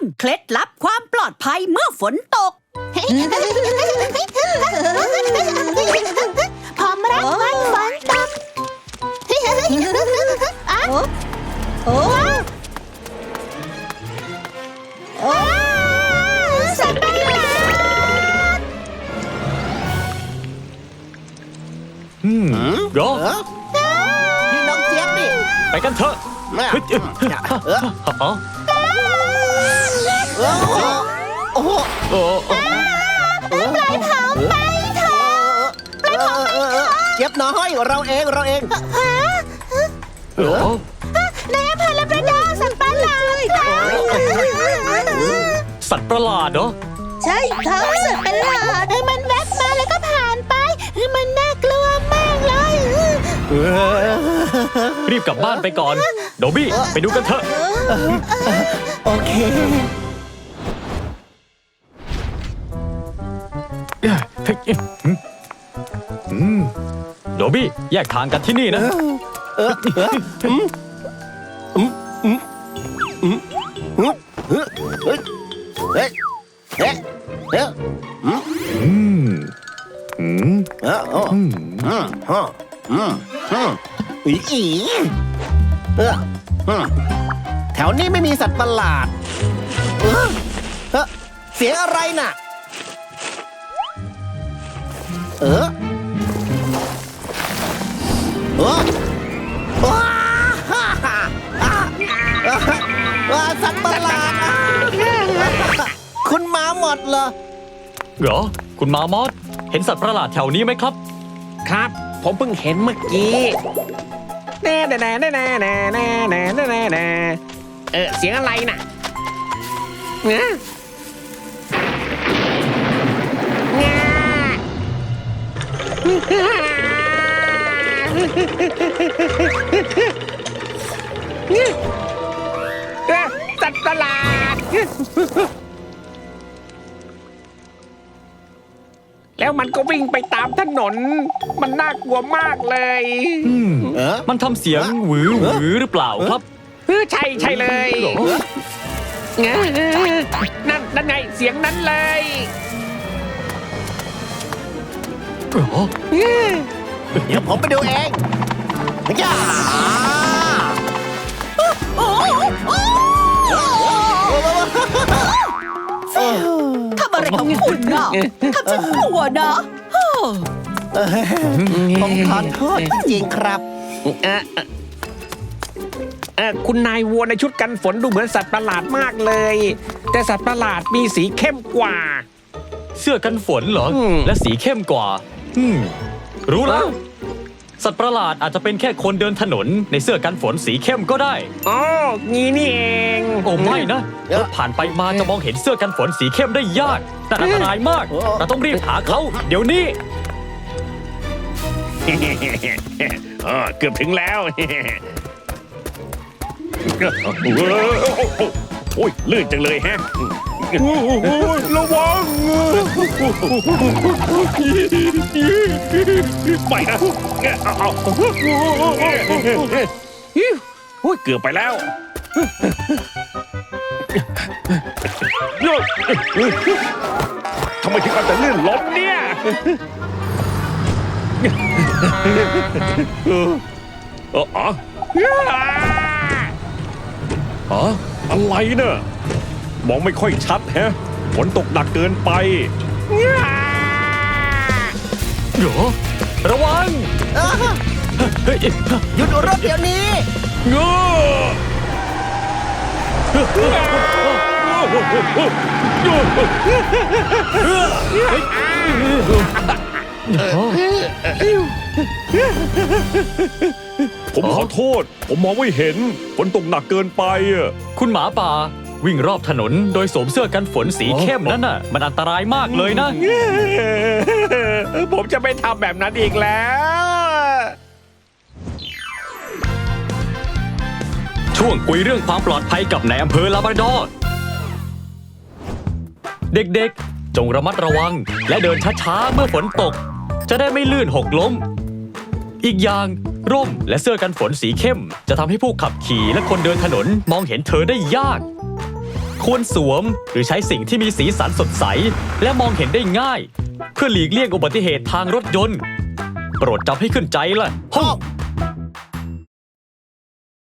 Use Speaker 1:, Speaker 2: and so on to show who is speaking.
Speaker 1: เคล็ดลับความปลอดภัยเมื่อฝนตก
Speaker 2: พร้อมรับวันฝนตกโอ้สัตว์ประหลาด
Speaker 3: รอ
Speaker 4: นี่น้องเจี๊ยบนี่
Speaker 3: ไปกันเถอะเฮ้ย
Speaker 4: โอ้โห
Speaker 3: โอ้
Speaker 2: ปล่อยเขาไปเถอะปล่อยเขาไปเถอะ
Speaker 4: เจี๊ยบน้อยเราเอง
Speaker 3: โอ้
Speaker 2: ในอำเภอลาบราดอร์สัตว์ประหลาดครับ
Speaker 3: สัตว์ประหลาดเหรอ
Speaker 2: ใช่ครับสัตว์ประหลาดมันแวบมาแล้วก็ผ่านไปมันน่ากลัวมากเลย
Speaker 3: รีบกลับบ้านไปก่อน โดบี้ไปดูกันเถอะ
Speaker 4: โอเค
Speaker 3: โดบี้แยกทางกันที่นี่นะ
Speaker 4: เฮ้ยเฮ้ยเฮ้ยเฮ้ยแถวนี้ไม่มีสัตว์ประหลาดเสียงอะไรน่ะสัตว์ประหลาดคุณมาหมดเหรอ
Speaker 3: เหรอ คุณมามอสเห็นสัตว์ประหลาดแถวนี้ไหมครับ
Speaker 5: ครับ ผมเพิ่งเห็นเมื่อกี้แน่เสียงอะไรน่ะสัตว์ประหลาดแล้วมันก็วิ่งไปตามถนน มันน่ากลัวมากเลย
Speaker 3: มันทำเสียงหวือหรือเปล่าครับ
Speaker 5: ใช่เลยนั่นไงเสียงนั้นเลย
Speaker 3: เหรอ
Speaker 4: เดี๋ยวผมไปดูเองย่า
Speaker 1: ทำอะไรของคุณน่ะทำฉันกลัวนะ
Speaker 4: ผมขอโทษจริงครับ
Speaker 5: คุณนายวัวในชุดกันฝนดูเหมือนสัตว์ประหลาดมากเลย แต่สัตว์ประหลาดมีสีเข้มกว่า
Speaker 3: เสื้อกันฝนเหรอ
Speaker 5: อืม
Speaker 3: และสีเข้มกว่า รู้แล้ว สัตว์ประหลาดอาจจะเป็นแค่คนเดินถนนในเสื้อกันฝนสีเข้มก็ได้
Speaker 5: อ๋องี้นี่เอง
Speaker 3: โอ้ไม่นะรถผ่านไปมาจะมองเห็นเสื้อกันฝนสีเข้มได้ยากแต่อันตรายมาก เราต้องรีบหาเขาเดี๋ยวนี้
Speaker 5: เกือบถึงแล้ว โอ้ยลื่นจังเลยฮะระวังไม่นะเอาโอ้ยเกือบไปแล้วทำไมถึงอาจจะลื่นล้มเนี่ยอะไรเนอะมองไม่ค่อยชัดแฮะฝนตกหนักเกินไป
Speaker 3: เหรอระวังเฮ้ย
Speaker 4: หยุดรถเดี๋ยวนี้
Speaker 5: ผมขอโทษ ผมมองไม่เห็นฝนตกหนักเกินไปอ่ะ
Speaker 3: คุณหมาป่าวิ่งรอบถนนโดยสวมเสื้อกันฝนสีเข้มนั่นน่ะมันอันตรายมากเลยนะ
Speaker 5: ผมจะไม่ทำแบบนั้นอีกแล้ว
Speaker 3: ช่วงคุยเรื่องความปลอดภัยกับนายอำเภอลาบราดอร์เด็กๆจงระมัดระวังและเดินช้าๆเมื่อฝนตกจะได้ไม่ลื่นหกล้มอีกอย่างร่มและเสื้อกันฝนสีเข้มจะทำให้ผู้ขับขี่และคนเดินถนนมองเห็นเธอได้ยากควรสวมหรือใช้สิ่งที่มีสีสันสดใสและมองเห็นได้ง่าย เพื่อหลีกเลี่ยงอุบัติเหตุทางรถยนต์ โปรดจำให้ขึ้นใจล่ะ
Speaker 4: พ่อ